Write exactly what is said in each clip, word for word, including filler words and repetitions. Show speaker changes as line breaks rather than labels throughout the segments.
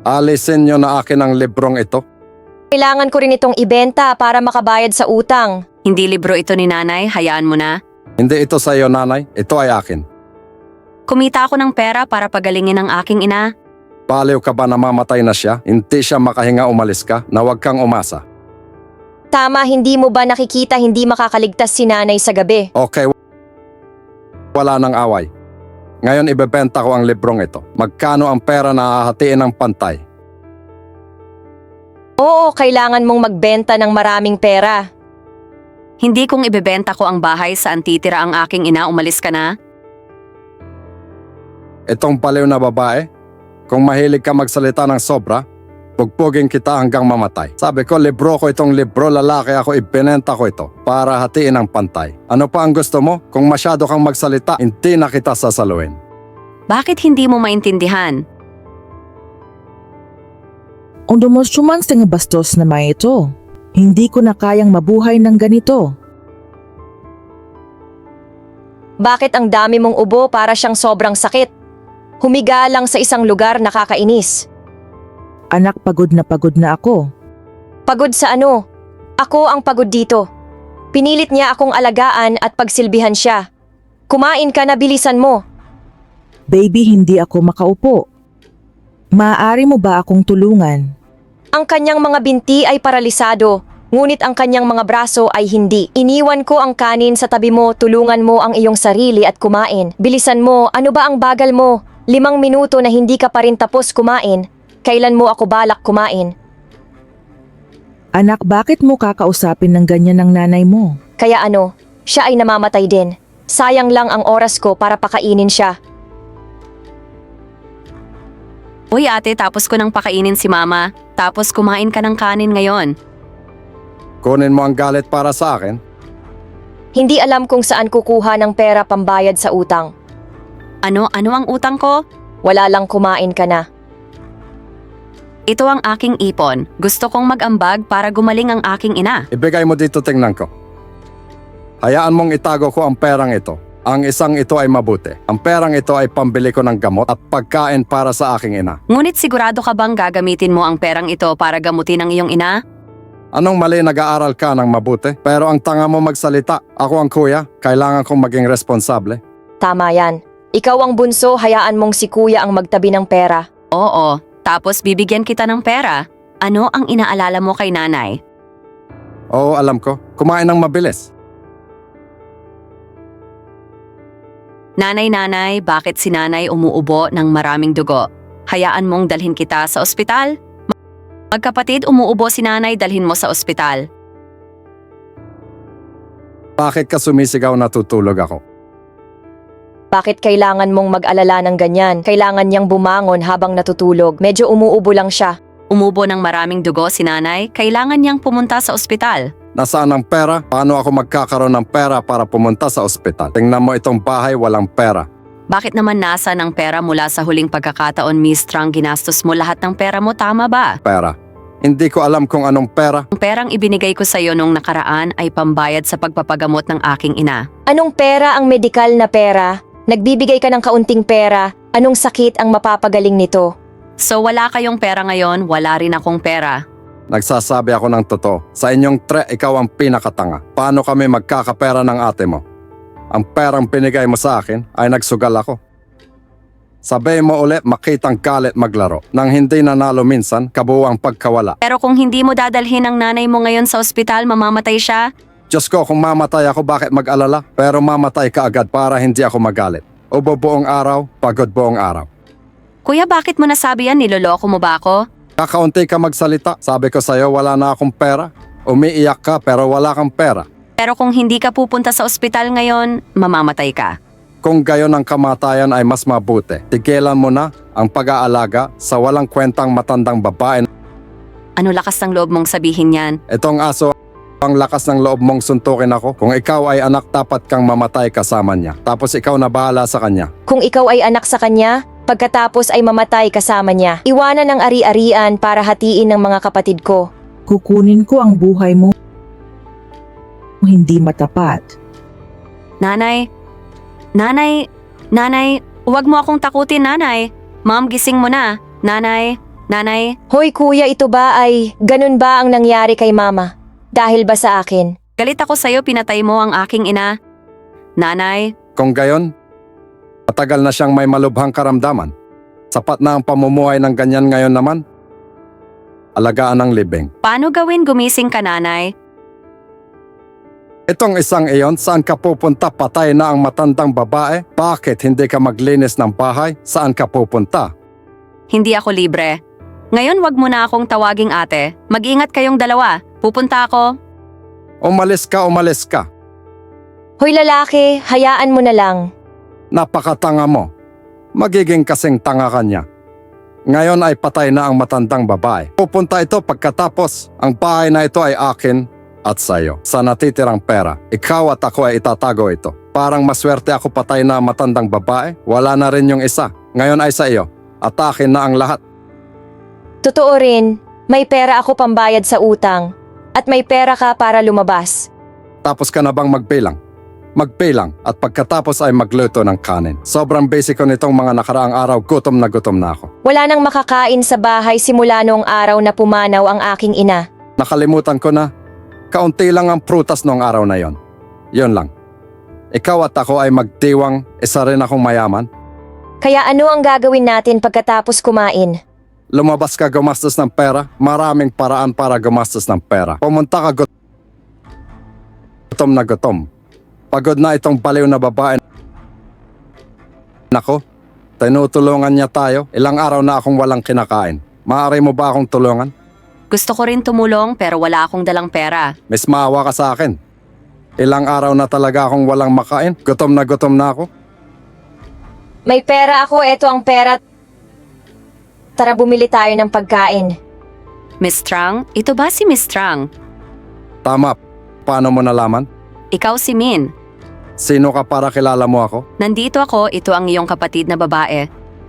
Alisin nyo na akin ang librong ito.
Kailangan ko rin itong ibenta para makabayad sa utang.
Hindi libro ito ni nanay, hayaan mo na.
Hindi ito sa iyo, nanay. Ito ay akin.
Kumita ako ng pera para pagalingin ang aking ina.
Baliw ka ba na mamatay na siya? Hindi siya makahinga, umalis ka na huwag kang umasa.
Tama, hindi mo ba nakikita hindi makakaligtas si nanay sa gabi?
Okay, wala nang away. Ngayon ibebenta ko ang librong ito. Magkano ang pera na hahatiin ng pantay?
Oo, kailangan mong magbenta ng maraming pera.
Hindi kung ibebenta ko ang bahay saan titira ang aking ina, umalis ka na.
Itong baliw na babae, kung mahilig ka magsalita ng sobra, pugpugin kita hanggang mamatay. Sabi ko, libro ko itong libro, lalaki ako, ibinenta ko ito para hatiin ang pantay. Ano pa ang gusto mo? Kung masyado kang magsalita, hindi na kita sasaluin.
Bakit hindi mo maintindihan?
Ang dumosyoman sa nga bastos na may ito. Hindi ko na kayang mabuhay ng ganito.
Bakit ang dami mong ubo para siyang sobrang sakit? Humiga lang sa isang lugar, nakakainis.
Anak, pagod na pagod na ako.
Pagod sa ano? Ako ang pagod dito. Pinilit niya akong alagaan at pagsilbihan siya. Kumain ka na, bilisan mo.
Baby, hindi ako makaupo. Maaari mo ba akong tulungan?
Ang kanyang mga binti ay paralisado, ngunit ang kanyang mga braso ay hindi. Iniwan ko ang kanin sa tabi mo, tulungan mo ang iyong sarili at kumain. Bilisan mo, ano ba ang bagal mo? Limang minuto na hindi ka pa rin tapos kumain. Kailan mo ako balak kumain?
Anak, bakit mo kakausapin ng ganyan ng nanay mo?
Kaya ano, siya ay namamatay din. Sayang lang ang oras ko para pakainin siya.
Uy ate, tapos ko nang pakainin si mama. Tapos kumain ka ng kanin ngayon.
Kunin mo ang galit para sa akin.
Hindi alam kung saan kukuha ng pera pambayad sa utang.
Ano, ano ang utang ko?
Wala lang, kumain ka na.
Ito ang aking ipon. Gusto kong mag-ambag para gumaling ang aking ina.
Ibigay mo dito, tingnan ko. Hayaan mong itago ko ang perang ito. Ang isang ito ay mabuti. Ang perang ito ay pambili ko ng gamot at pagkain para sa aking ina.
Ngunit sigurado ka bang gagamitin mo ang perang ito para gamutin ang iyong ina?
Anong mali, nag-aaral ka ng mabuti? Pero ang tanga mo magsalita. Ako ang kuya, kailangan kong maging responsable.
Tama yan. Ikaw ang bunso, hayaan mong si kuya ang magtabi ng pera.
Oo, tapos bibigyan kita ng pera. Ano ang inaalala mo kay nanay?
Oo, alam ko. Kumain ng mabilis.
Nanay-nanay, bakit si nanay umuubo ng maraming dugo? Hayaan mong dalhin kita sa ospital? Magkapatid, umuubo si nanay, dalhin mo sa ospital.
Bakit ka sumisigaw, natutulog ako?
Bakit kailangan mong mag-alala ng ganyan? Kailangan niyang bumangon habang natutulog. Medyo umuubo lang siya.
Umubo ng maraming dugo si nanay, kailangan niyang pumunta sa ospital.
Nasaan ang pera? Paano ako magkakaroon ng pera para pumunta sa ospital? Tingnan mo itong bahay, walang pera.
Bakit naman nasa ng pera mula sa huling pagkakataon, Miss Trang, ginastos mo lahat ng pera mo, tama ba?
Pera. Hindi ko alam kung anong pera.
Ang perang ibinigay ko sa iyo nung nakaraan ay pambayad sa pagpapagamot ng aking ina.
Anong pera ang medikal na pera? Nagbibigay ka ng kaunting pera. Anong sakit ang mapapagaling nito?
So wala kayong pera ngayon, wala rin akong pera.
Nagsasabi ako ng totoo. Sa inyong tre, ikaw ang pinakatanga. Paano kami magkakapera ng ate mo? Ang perang pinigay mo sa akin ay nagsugal ako. Sabihin mo ulit, makitang galit maglaro. Nang hindi nanalo minsan, kabuwang pagkawala.
Pero kung hindi mo dadalhin ang nanay mo ngayon sa ospital, mamamatay siya?
Diyos ko, kung mamatay ako, bakit mag-alala? Pero mamatay ka agad para hindi ako magalit. Ubo buong araw, pagod buong araw.
Kuya, bakit mo nasabi yan? Niloloko mo ba ako?
Kakaunti ka magsalita. Sabi ko sa'yo, wala na akong pera. Umiiyak ka pero wala kang pera.
Pero kung hindi ka pupunta sa ospital ngayon, mamamatay ka.
Kung gayon ang kamatayan ay mas mabuti. Tigilan mo na ang pag-aalaga sa walang kwentang matandang babae.
Ano lakas ng loob mong sabihin yan?
Itong aso, ang lakas ng loob mong suntukin ako. Kung ikaw ay anak, dapat kang mamatay kasama niya. Tapos ikaw na bahala sa kanya.
Kung ikaw ay anak sa kanya, pagkatapos ay mamatay kasama niya. Iwanan ang ari-arian para hatiin ng mga kapatid ko.
Kukunin ko ang buhay mo. Hindi matapat.
Nanay, nanay, nanay, huwag mo akong takutin, nanay. Ma'am, gising mo na. Nanay, Nanay,
Hoy kuya, ito ba ay ganun ba ang nangyari kay mama? Dahil ba sa akin?
galit ako sa'yo, pinatay mo ang aking ina. Nanay,
Kung gayon, matagal na siyang may malubhang karamdaman. Sapat na ang pamumuhay ng ganyan ngayon naman. Alagaan ng libing.
paano gawin gumising ka, nanay?
Itong isang iyon, saan ka pupunta? Patay na ang matandang babae? Bakit hindi ka maglinis ng bahay? Saan ka pupunta?
Hindi ako libre. Ngayon wag mo na akong tawaging ate. Mag-ingat kayong dalawa. Pupunta ako.
Umalis ka, umalis ka.
Hoy lalaki, hayaan mo na lang.
Napakatanga mo. Magiging kasing tanga ka niya. Ngayon ay patay na ang matandang babae. Pupunta ito pagkatapos ang bahay na ito ay akin at sayo. Sa natitirang pera, ikaw at ako ay itatago ito. Parang maswerte ako patay na ang matandang babae. Wala na rin yung isa. Ngayon ay sa iyo. At akin na ang lahat.
Totoo rin, may pera ako pambayad sa utang. At may pera ka para lumabas.
Tapos ka na bang magbilang? Magbilang at pagkatapos ay magluto ng kanin. Sobrang basic ko nitong mga nakaraang araw, gutom na gutom na ako.
Wala nang makakain sa bahay simula noong araw na pumanaw ang aking ina.
Nakalimutan ko na, kaunti lang ang prutas noong araw na yon. Yon lang. Ikaw at ako ay magdiwang, isa rin akong mayaman.
Kaya ano ang gagawin natin pagkatapos kumain?
Lumabas ka gumastos ng pera, maraming paraan para gumastos ng pera. Pumunta ka gut- gutom na gutom. Pagod na itong baliw na babae. Nako, tinutulungan niya tayo. Ilang araw na akong walang kinakain. Maaari mo ba akong tulungan?
Gusto ko rin tumulong pero wala akong dalang pera.
Mas maawa ka sa akin. Ilang araw na talaga akong walang makain. Gutom na gutom na ako.
May pera ako, eto ang pera. Tara bumili tayo ng pagkain.
Miss Trang, ito ba si Miss Trang?
Tama. Paano mo nalaman?
Ikaw si Min.
Sino ka para kilala mo ako?
Nandito ako, ito ang iyong kapatid na babae.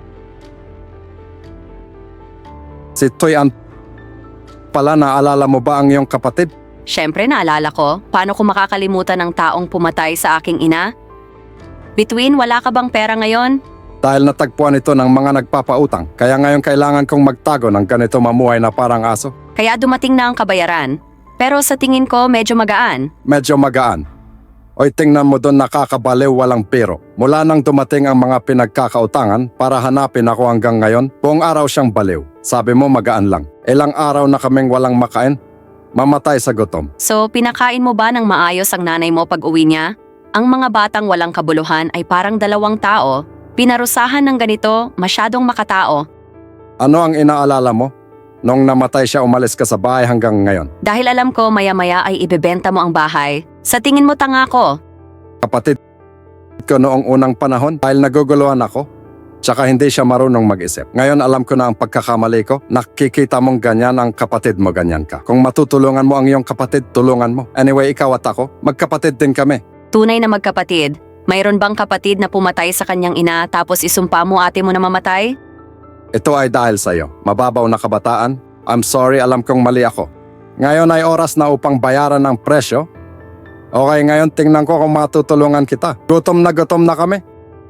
Si Toy An pala, naalala mo ba ang iyong kapatid?
Siyempre naalala ko, paano ko makakalimutan ng taong pumatay sa aking ina? Between, wala ka bang pera ngayon?
Dahil natagpuan ito ng mga nagpapautang, kaya ngayon kailangan kong magtago ng ganito mamuhay na parang aso.
Kaya dumating na ang kabayaran. Pero sa tingin ko, medyo magaan.
Medyo magaan. Oy, tingnan mo doon, nakakabaliw, walang biro. Mula nang dumating ang mga pinagkakautangan para hanapin ako hanggang ngayon, buong araw siyang baliw. Sabi mo magaan lang. Ilang araw na kaming walang makain, mamatay sa gutom.
So, pinakain mo ba ng maayos ang nanay mo pag uwi niya? Ang mga batang walang kabuluhan ay parang dalawang tao. Pinarusahan ng ganito, masyadong makatao.
Ano ang inaalala mo? Nung namatay siya, umalis ka sa bahay hanggang ngayon.
Dahil alam ko maya-maya ay ibebenta mo ang bahay. Sa tingin mo tanga ko.
Kapatid ko noong unang panahon dahil naguguluhan ako, tsaka hindi siya marunong mag-isip. Ngayon alam ko na ang pagkakamali ko, nakikita mong ganyan ang kapatid mo, ganyan ka. Kung matutulungan mo ang iyong kapatid, tulungan mo. Anyway, ikaw at ako, magkapatid din kami.
Tunay na magkapatid. Mayroon bang kapatid na pumatay sa kanyang ina tapos isumpa mo ate mo na mamatay?
Ito ay dahil sa iyo. Mababaw na kabataan. I'm sorry, alam kong mali ako. Ngayon ay oras na upang bayaran ng presyo. Okay, ngayon tingnan ko kung matutulungan kita. Gutom na gutom na kami.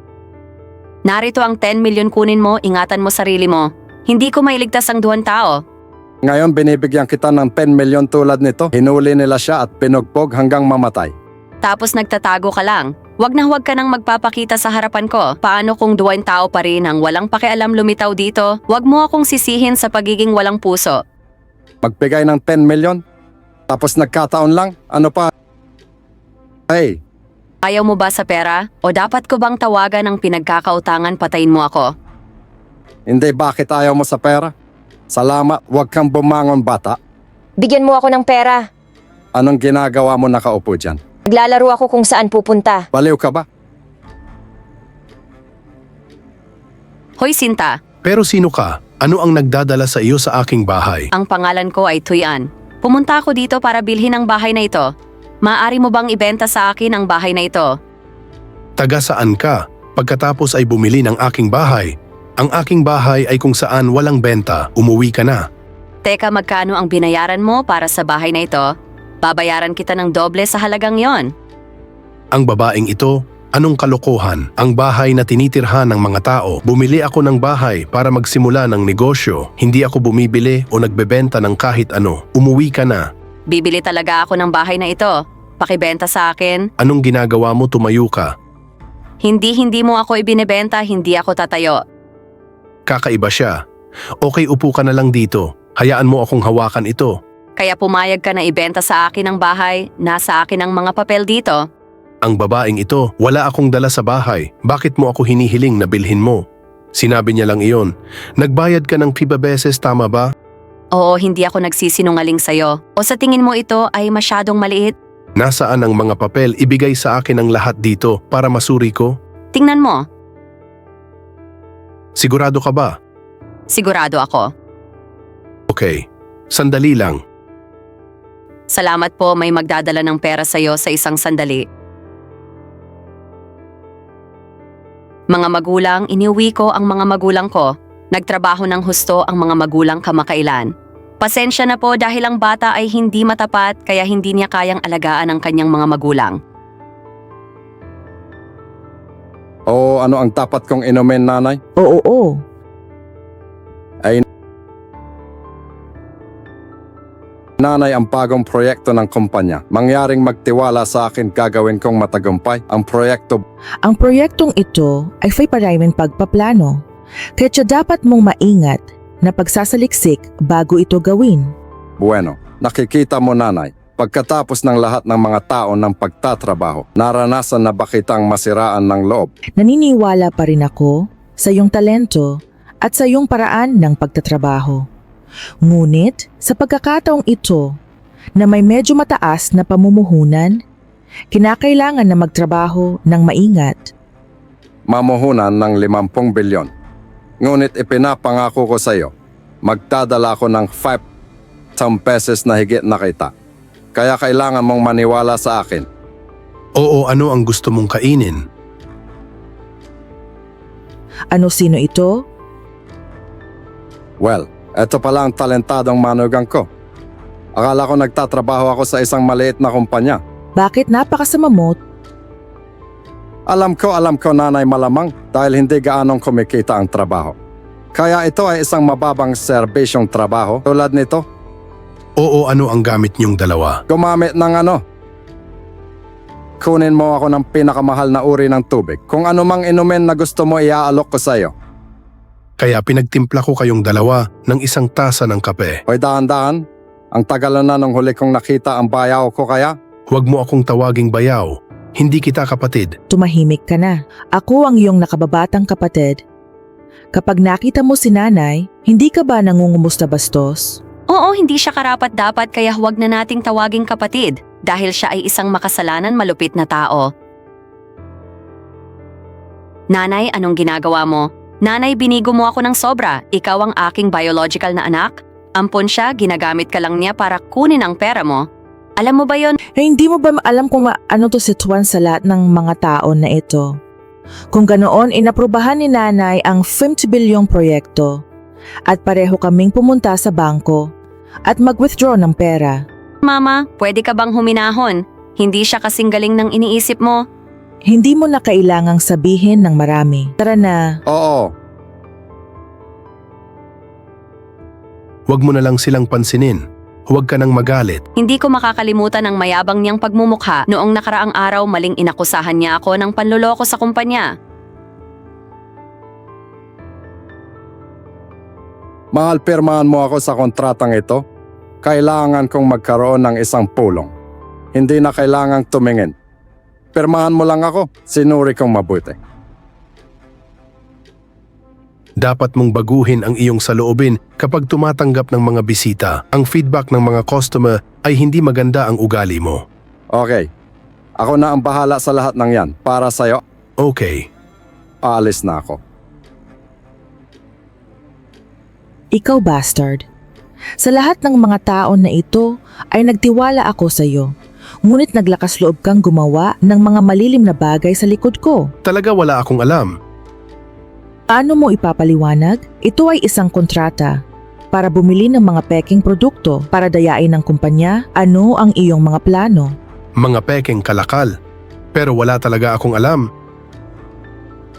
Narito ang ten milyon kunin mo, ingatan mo sarili mo. Hindi ko mailigtas ang duwan tao.
Ngayon binibigyan kita ng ten milyon tulad nito. Hinuli nila siya at pinugbog hanggang mamatay.
Tapos nagtatago ka lang. Huwag na huwag ka nang magpapakita sa harapan ko. Paano kung duwain tao pa rin ang walang pakialam lumitaw dito? Huwag mo akong sisihin sa pagiging walang puso.
Magbigay ng ten milyon? Tapos nagkataon lang? Ano pa? Hey,
Ayaw mo ba sa pera? O dapat ko bang tawagan ng pinagkakautangan patayin mo ako?
hindi, bakit ayaw mo sa pera? Salamat, huwag kang bumangon bata.
Bigyan mo ako ng pera.
Anong ginagawa mo nakaupo dyan?
Naglalaro ako kung saan pupunta.
Baliw ka ba?
Hoy Sinta,
Pero sino ka? Ano ang nagdadala sa iyo sa aking bahay?
ang pangalan ko ay Tuyan. Pumunta ako dito para bilhin ang bahay na ito. Maaari mo bang ibenta sa akin ang bahay na ito?
Taga saan ka? Pagkatapos ay bumili ng aking bahay. Ang aking bahay ay kung saan walang benta, umuwi ka na.
Teka, magkano ang binayaran mo para sa bahay na ito? Babayaran kita ng doble sa halagang yon.
Ang babaeng ito Anong kalokohan? Ang bahay na tinitirhan ng mga tao. Bumili ako ng bahay para magsimula ng negosyo. Hindi ako bumibili o nagbebenta ng kahit ano. Umuwi ka na.
Bibili talaga ako ng bahay na ito. Pakibenta sa akin.
Anong ginagawa mo? Tumayo ka.
Hindi hindi mo ako ibinebenta, hindi ako tatayo.
Kakaiba siya. Okay, upo ka na lang dito. Hayaan mo akong hawakan ito.
Kaya pumayag ka na ibenta sa akin ang bahay, nasa akin ang mga papel dito.
Ang babaeng ito, wala akong dala sa bahay. Bakit mo ako hinihiling na bilhin mo? Sinabi niya lang iyon. Nagbayad ka ng piba beses, tama ba?
Oo, hindi ako nagsisinungaling sa'yo. O sa tingin mo ito ay masyadong maliit?
Nasaan ang mga papel? Ibigay sa akin ang lahat dito para masuri ko?
Tingnan mo.
Sigurado ka ba?
Sigurado ako.
Okay, sandali lang.
Salamat po, may magdadala ng pera sa'yo sa isang sandali. Mga magulang, iniuwi ko ang mga magulang ko. Nagtrabaho ng husto ang mga magulang kamakailan. Pasensya na po dahil ang bata ay hindi matapat kaya hindi niya kayang alagaan ang kanyang mga magulang.
O ano ang dapat kong inumin, nanay?
Oo, oo.
Nanay, ang bagong proyekto ng kumpanya. Mangyaring magtiwala sa akin, gagawin kong matagumpay. Ang proyekto,
Ang proyektong ito ay may maraming pagpaplano. Kaya siya dapat mong maingat na pagsasaliksik bago ito gawin.
bueno. Nakikita mo, nanay, pagkatapos ng lahat ng mga tao ng pagtatrabaho, naranasan na ba kitang masiraan ng loob?
Naniniwala pa rin ako sa iyong talento at sa iyong paraan ng pagtatrabaho. Ngunit sa pagkakataong ito na may medyo mataas na pamumuhunan, kinakailangan na magtrabaho ng maingat.
Mamuhunan ng limampung bilyon. Ngunit ipinapangako ko sa iyo, magdadala ako ng five thousand pesos na higit na kita. Kaya kailangan mong maniwala sa akin.
Oo, ano ang gusto mong kainin?
Ano sino ito?
Well, eto pala ang talentadong manugang ko. Akala ko nagtatrabaho ako sa isang maliit na kumpanya.
Bakit napakasama mo?
Alam ko, alam ko, nanay, malamang dahil hindi gaanong kumikita ang trabaho. Kaya ito ay isang mababang serbisyong trabaho tulad nito.
Oo, ano ang gamit niyong dalawa?
Gumamit ng ano? Kunin mo ako ng pinakamahal na uri ng tubig. Kung ano mang inumin na gusto mo, iaalok ko sa iyo.
Kaya pinagtimpla ko kayong dalawa ng isang tasa ng kape.
Hoy, dahan-dahan. Ang tagal na nung huli kong nakita ang bayaw ko kaya.
Huwag mo akong tawaging bayaw. Hindi kita kapatid.
Tumahimik ka na. Ako ang iyong nakababatang kapatid. Kapag nakita mo si nanay, hindi ka ba nangungumusta bastos?
Oo, hindi siya karapat-dapat kaya huwag na nating tawaging kapatid dahil siya ay isang makasalanan malupit na tao. Nanay, anong ginagawa mo? Nanay, binigo mo ako ng sobra. Ikaw ang aking biological na anak. Ampon siya, ginagamit ka lang niya para kunin ang pera mo. Alam mo ba yon?
Eh, hindi mo ba alam kung ma- ano to situan sa lahat ng mga tao na ito? Kung ganoon, inaprubahan ni nanay ang fifty bilyong proyekto at pareho kaming pumunta sa bangko at mag-withdraw ng pera.
Mama, pwede ka bang huminahon? Hindi siya kasing galing ng iniisip mo.
Hindi mo na kailangang sabihin ng marami. Tara na.
Oo,
Huwag mo na lang silang pansinin. Huwag ka nang magalit.
Hindi ko makakalimutan ang mayabang niyang pagmumukha noong nakaraang araw maling inakusahan niya ako ng panloloko sa kumpanya.
mahal, pirmahan mo ako sa kontratang ito. Kailangan kong magkaroon ng isang pulong. Hindi na kailangang tumingin. Pirmahan mo lang ako, sinuri kong mabuti.
Dapat mong baguhin ang iyong saloobin kapag tumatanggap ng mga bisita. Ang feedback ng mga customer ay hindi maganda ang ugali mo.
Okay, ako na ang bahala sa lahat ng yan. Para sa'yo,
Okay.
aalis na ako.
Ikaw, bastard. Sa lahat ng mga tao na ito ay nagtiwala ako sa iyo. Ngunit naglakas loob kang gumawa ng mga malilim na bagay sa likod ko.
Talaga wala akong alam.
Ano mo ipapaliwanag? Ito ay isang kontrata para bumili ng mga peking produkto para dayain ng kumpanya. Ano ang iyong mga plano?
Mga pekeng kalakal. Pero wala talaga akong alam.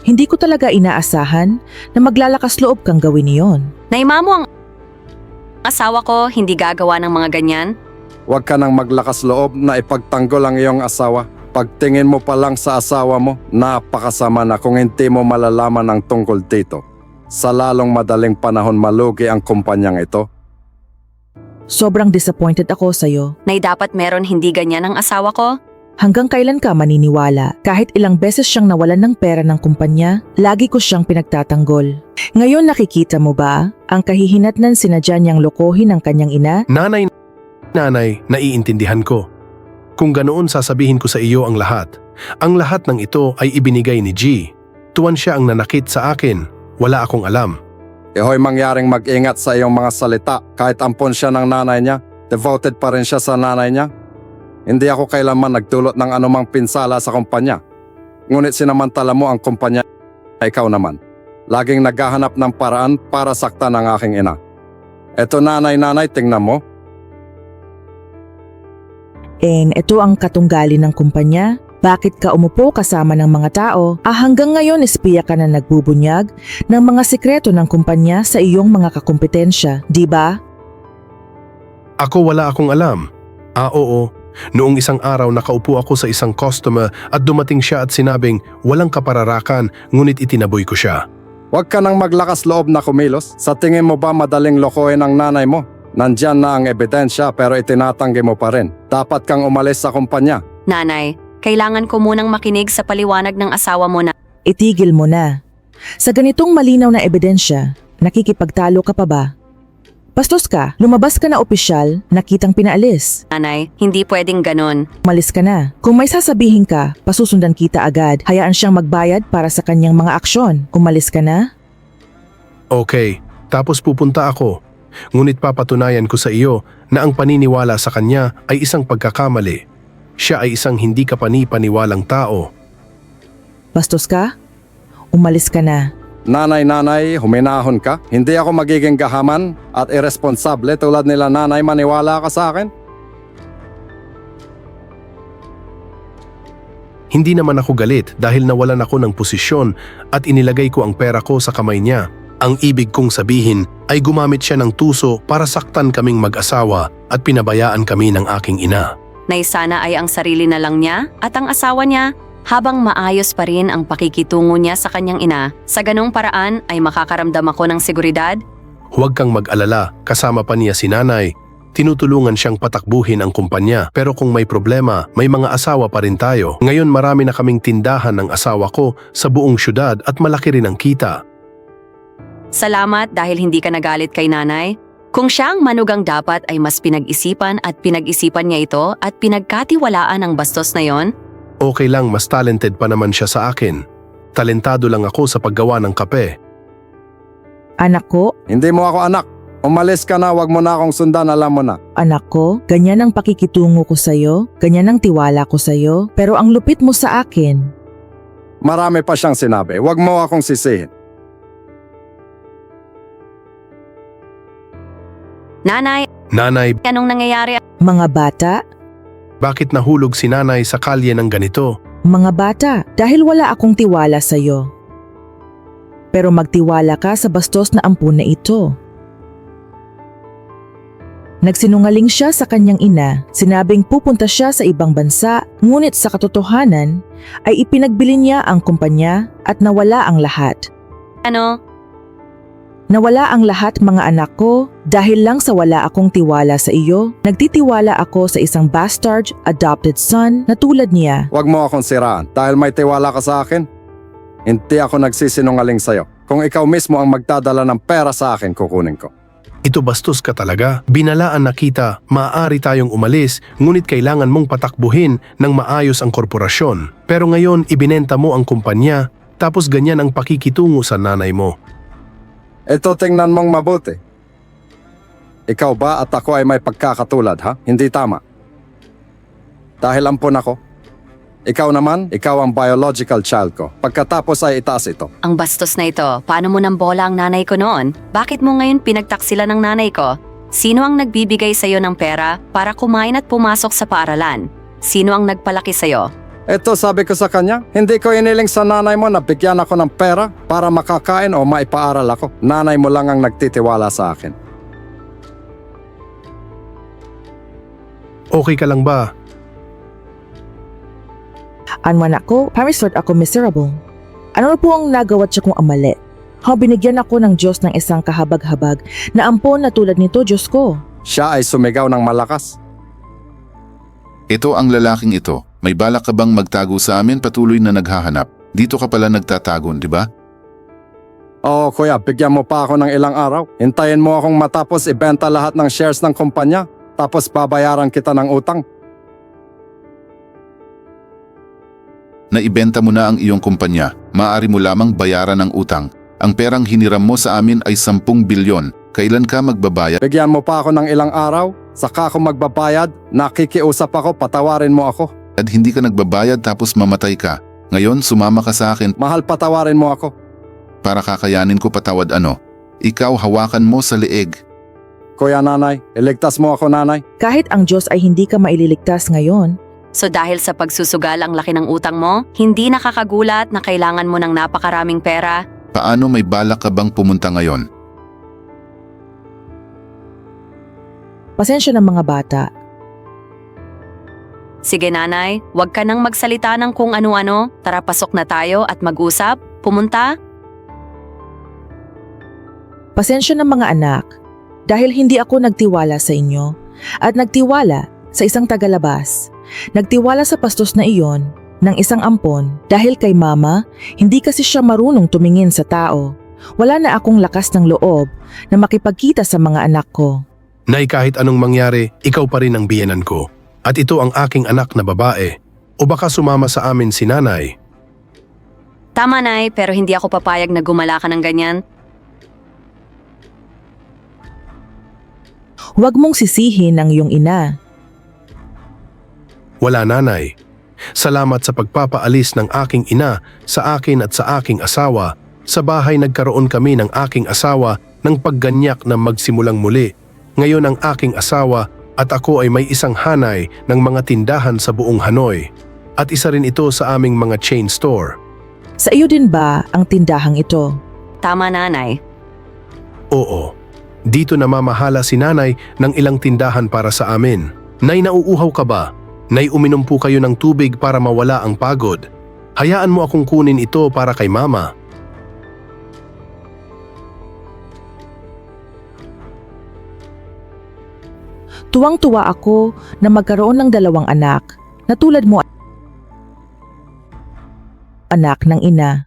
Hindi ko talaga inaasahan na maglalakas loob kang gawin iyon.
Naima mo ang asawa ko hindi gagawa ng mga ganyan?
Huwag ka nang maglakas loob na ipagtanggol ang iyong asawa. Pagtingin mo pa lang sa asawa mo, napakasama na kung hindi mo malalaman ang tungkol dito. Sa lalong madaling panahon malugi ang kumpanyang ito.
Sobrang disappointed ako sa'yo.
Nay dapat meron hindi ganyan ang asawa ko?
Hanggang kailan ka maniniwala? Kahit ilang beses siyang nawalan ng pera ng kumpanya, lagi ko siyang pinagtatanggol. Ngayon nakikita mo ba ang kahihinatnan sinadya niyang lokohin ang kanyang ina?
Nanay, nanay, naiintindihan ko. Kung ganoon sasabihin ko sa iyo ang lahat. Ang lahat ng ito ay ibinigay ni G. Tuwan siya ang nanakit sa akin. Wala akong alam.
Ihoy mangyaring mag-ingat sa iyong mga salita. Kahit ampon siya ng nanay niya, devoted pa rin siya sa nanay niya. Hindi ako kailanman nagdulot ng anumang pinsala sa kumpanya. Ngunit sinamantala mo ang kumpanya, ikaw naman. Laging naghahanap ng paraan para saktan ang aking ina. Eto nanay-nanay, tingnan mo.
And ito ang katunggali ng kumpanya. Bakit ka umupo kasama ng mga tao? Ah, hanggang ngayon espiya ka na nagbubunyag ng mga sikreto ng kumpanya sa iyong mga kakumpetensya, di ba?
Ako wala akong alam. Ah oo, noong isang araw nakaupo ako sa isang customer at dumating siya at sinabing walang kapararakan ngunit itinaboy ko siya.
Huwag ka nang maglakas loob na kumilos. Sa tingin mo ba madaling lokohin ang nanay mo? Nandyan na ang ebidensya pero itinatanggi mo pa rin. Dapat kang umalis sa kumpanya.
Nanay, kailangan ko munang makinig sa paliwanag ng asawa mo na
Itigil mo na. Sa ganitong malinaw na ebidensya, nakikipagtalo ka pa ba? Bastos ka, lumabas ka na opisyal, nakitang pinaalis.
nanay, hindi pwedeng ganon.
Umalis ka na. Kung may sasabihin ka, pasusundan kita agad. Hayaan siyang magbayad para sa kanyang mga aksyon. Umalis ka na?
Okay, tapos pupunta ako. Ngunit papatunayan ko sa iyo na ang paniniwala sa kanya ay isang pagkakamali. Siya ay isang hindi kapani-paniwalang tao.
Bastos ka? Umalis ka na.
Nanay-nanay, huminahon ka. Hindi ako magiging gahaman at irresponsable tulad nila nanay, maniwala ka sa akin.
Hindi naman ako galit dahil nawalan ako ng posisyon at inilagay ko ang pera ko sa kamay niya. Ang ibig kong sabihin ay gumamit siya ng tuso para saktan kaming mag-asawa at pinabayaan kami ng aking ina.
Nay sana ay ang sarili na lang niya at ang asawa niya habang maayos pa rin ang pakikitungo niya sa kanyang ina. Sa ganong paraan ay makakaramdam ako ng seguridad.
Huwag kang mag-alala, kasama pa niya si nanay. Tinutulungan siyang patakbuhin ang kumpanya pero kung may problema, may mga asawa pa rin tayo. Ngayon marami na kaming tindahan ng asawa ko sa buong syudad at malaki rin ang kita.
Salamat dahil hindi ka nagalit kay nanay. Kung siya ang manugang dapat ay mas pinag-isipan at pinag-isipan niya ito at pinagkatiwalaan ang bastos na yon.
Okay lang, mas talented pa naman siya sa akin. Talentado lang ako sa paggawa ng kape.
Anak ko,
Hindi mo ako anak. Umalis ka na, wag mo na akong sundan, alam mo na.
anak ko, ganyan ang pakikitungo ko sa'yo, ganyan ang tiwala ko sa'yo, pero ang lupit mo sa akin.
Marami pa siyang sinabi, wag mo akong sisihin.
Nanay,
Nanay,
anong nangyayari?
Mga bata,
bakit nahulog si nanay sa kalye ng ganito?
mga bata, dahil wala akong tiwala sa'yo. Pero magtiwala ka sa bastos na ampun na ito. Nagsinungaling siya sa kanyang ina, sinabing pupunta siya sa ibang bansa, ngunit sa katotohanan ay ipinagbili niya ang kumpanya at nawala ang lahat.
Ano?
Nawala ang lahat mga anak ko dahil lang sa wala akong tiwala sa iyo. Nagtitiwala ako sa isang bastard adopted son na tulad niya.
Wag mo akong siraan dahil may tiwala ka sa akin. Hindi ako nagsisinungaling sa'yo. Kung ikaw mismo ang magdadala ng pera sa akin, kukunin ko.
Ito bastos ka talaga. Binalaan na kita, maaari tayong umalis, ngunit kailangan mong patakbuhin ng maayos ang korporasyon. Pero ngayon, ibinenta mo ang kumpanya, tapos ganyan ang pakikitungo sa nanay mo.
Ito tingnan mong mabuti. Ikaw ba at ako ay may pagkakatulad, ha? Hindi tama. Dahil ampun ako. Ikaw naman, ikaw ang biological child ko. Pagkatapos ay itaas ito.
Ang bastos na ito, paano mo nang bola ang nanay ko noon? Bakit mo ngayon pinagtaksila ng nanay ko? Sino ang nagbibigay sa'yo ng pera para kumain at pumasok sa paaralan? Sino ang nagpalaki sa'yo?
Ito sabi ko sa kanya, hindi ko iniling sa nanay mo na bigyan ako ng pera para makakain o maipaaral ako. Nanay mo lang ang nagtitiwala sa akin.
Okay ka lang ba?
Anman ako, parisort ako miserable. Ano na po ang nagawa siya kong amali? Ha, binigyan ako ng Diyos ng isang kahabag-habag na ampon na tulad nito, Diyos ko.
Siya ay sumigaw ng malakas.
Ito ang lalaking ito. May balak ka bang magtago sa amin patuloy na naghahanap? Dito ka pala nagtatagon, di ba?
Oo kuya, bigyan mo pa ako ng ilang araw. Hintayin mo akong matapos ibenta lahat ng shares ng kumpanya. Tapos babayaran kita ng utang.
Naibenta mo na ang iyong kumpanya. Maaari mo lamang bayaran ang utang. Ang perang hiniram mo sa amin ay sampung bilyon. Kailan ka magbabayad?
Bigyan mo pa ako ng ilang araw. Saka ako magbabayad. Nakikiusap ako, patawarin mo ako.
At hindi ka nagbabayad tapos mamatay ka. Ngayon sumama ka sa akin
Mahal, patawarin mo ako.
para kakayanin ko patawad ano. Ikaw hawakan mo sa leeg.
Kuya nanay, iligtas mo ako nanay.
Kahit ang Diyos ay hindi ka maililigtas ngayon,
So dahil sa pagsusugal ang laki ng utang mo, hindi nakakagulat na kailangan mo ng napakaraming pera.
Paano may balak ka bang pumunta ngayon?
pasensya ng mga bata.
Sige nanay, huwag ka nang magsalita ng kung ano-ano. Tara pasok na tayo at mag-usap. Pumunta?
Pasensya ng mga anak, dahil hindi ako nagtiwala sa inyo at nagtiwala sa isang tagalabas. Nagtiwala sa pastos na iyon ng isang ampon dahil kay mama, hindi kasi siya marunong tumingin sa tao. Wala na akong lakas ng loob na makipagkita sa mga anak ko.
Nay, kahit anong mangyari, ikaw pa rin ang biyenan ko. At ito ang aking anak na babae. O baka sumama sa amin si nanay.
Tama nay, pero hindi ako papayag na gumala ka ng ganyan.
Huwag mong sisihin ang iyong ina.
Wala nanay. Salamat sa pagpapaalis ng aking ina sa akin at sa aking asawa. Sa bahay nagkaroon kami ng aking asawa ng pagganyak na magsimulang muli. Ngayon ang aking asawa at ako ay may isang hanay ng mga tindahan sa buong Hanoi. At isa rin ito sa aming mga chain store.
Sa iyo din ba ang tindahang ito?
Tama nanay.
Oo. Dito namamahala si nanay ng ilang tindahan para sa amin. Nay, nauuhaw ka ba? Nay, uminom po kayo ng tubig para mawala ang pagod. Hayaan mo akong kunin ito para kay mama.
Tuwang-tuwa ako na magkaroon ng dalawang anak na tulad mo, anak ng ina.